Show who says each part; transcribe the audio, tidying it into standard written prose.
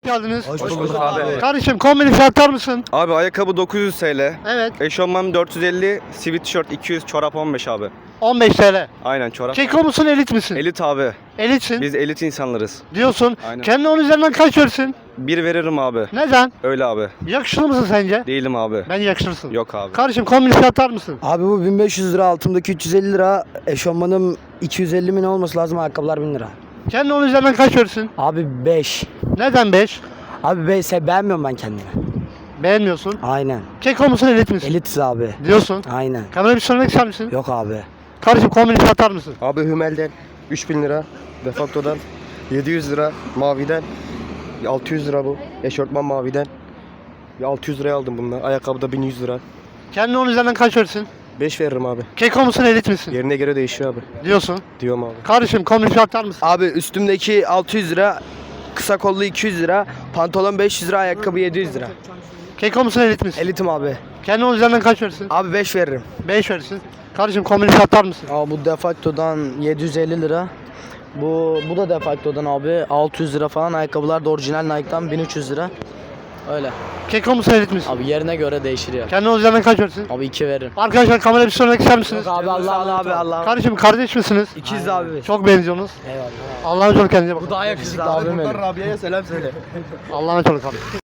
Speaker 1: geldiniz.
Speaker 2: Hoş bulduk abi.
Speaker 1: Kardeşim kombini fiyatlar mısın?
Speaker 3: Abi ayakkabı 900 TL.
Speaker 1: Evet.
Speaker 3: Eşofman 450, sweatshirt 200, çorap 15 abi.
Speaker 1: 15 TL.
Speaker 3: Aynen çorap.
Speaker 1: Keko musun elit misin?
Speaker 3: Elit abi.
Speaker 1: Elitsin
Speaker 3: Biz elit insanlarız.
Speaker 1: diyorsun.
Speaker 3: Aynen.
Speaker 1: Kendine 10 üzerinden kaç verirsin?
Speaker 3: Bir veririm abi.
Speaker 1: Neden?
Speaker 3: Öyle abi.
Speaker 1: Yakışıklı mısın sence?
Speaker 3: Değilim abi.
Speaker 1: Ben yakışırsın.
Speaker 3: Yok abi.
Speaker 1: Kardeşim kombini fiyatlar mısın?
Speaker 2: Abi bu 1500 lira, altımdaki 350 lira, eşofmanım 250 mi ne olması lazım, ayakkabılar 1000 lira.
Speaker 1: Kendine 10 üzerinden kaç verirsin?
Speaker 2: Abi 5.
Speaker 1: Neden 5?
Speaker 2: Abi 5 beğenmiyorum ben kendimi.
Speaker 1: Beğenmiyorsun.
Speaker 2: Aynen.
Speaker 1: Keko musun elit misin?
Speaker 2: Elitiz abi.
Speaker 1: Diyorsun.
Speaker 2: Aynen.
Speaker 1: Kamera bir söylemek ister misin?
Speaker 2: Yok abi.
Speaker 1: Kardeşim kombini fiyatlar mısın?
Speaker 4: Abi Hümel'den 3000 lira, Defakto'dan 700 lira, Mavi'den 600 lira bu. Eşortman Mavi'den 600 liraya aldım bunlar. Ayakkabı da 1100 lira.
Speaker 1: Kendine 10 üzerinden kaç verirsin?
Speaker 4: 5 veririm abi.
Speaker 1: Keko musun elit misin?
Speaker 4: Yerine göre değişiyor abi.
Speaker 1: Diyorsun.
Speaker 4: Diyorum abi.
Speaker 1: Kardeşim kombini fiyatlar mısın?
Speaker 5: Abi üstümdeki 600 lira, kısa kollu 200 lira, pantolon 500 lira, ayakkabı 700 lira.
Speaker 1: Keko musun elit misin?
Speaker 5: Elitim abi.
Speaker 1: Kendine 10 üzerinden kaç verirsin?
Speaker 5: Abi 5 veririm.
Speaker 1: 5 verirsin. Kardeşim kombini fiyatlar mısın?
Speaker 2: Abi bu Defacto'dan 750 lira. Bu da Defacto'dan abi 600 lira falan. Ayakkabılar da orijinal Nike'dan 1300 lira. Öyle.
Speaker 1: Keko musun elit misin?
Speaker 2: Abi yerine göre değişir ya.
Speaker 1: Kendine 10 üzerinden kaç verirsin?
Speaker 2: Abi 2 veririm.
Speaker 1: Arkadaşlar kamera bir söylemek ister misiniz?
Speaker 2: Abi Allah.
Speaker 1: Kardeşim kardeş misiniz?
Speaker 5: İkiz abi.
Speaker 1: Çok benziyorsunuz.
Speaker 2: Eyvallah.
Speaker 1: Allah'a emanet olun, kendinize bakın.
Speaker 2: Daha yakışıklı abim benim.
Speaker 4: Rabia'ya selam söyle.
Speaker 1: Allah'a emanet olun kardeşim.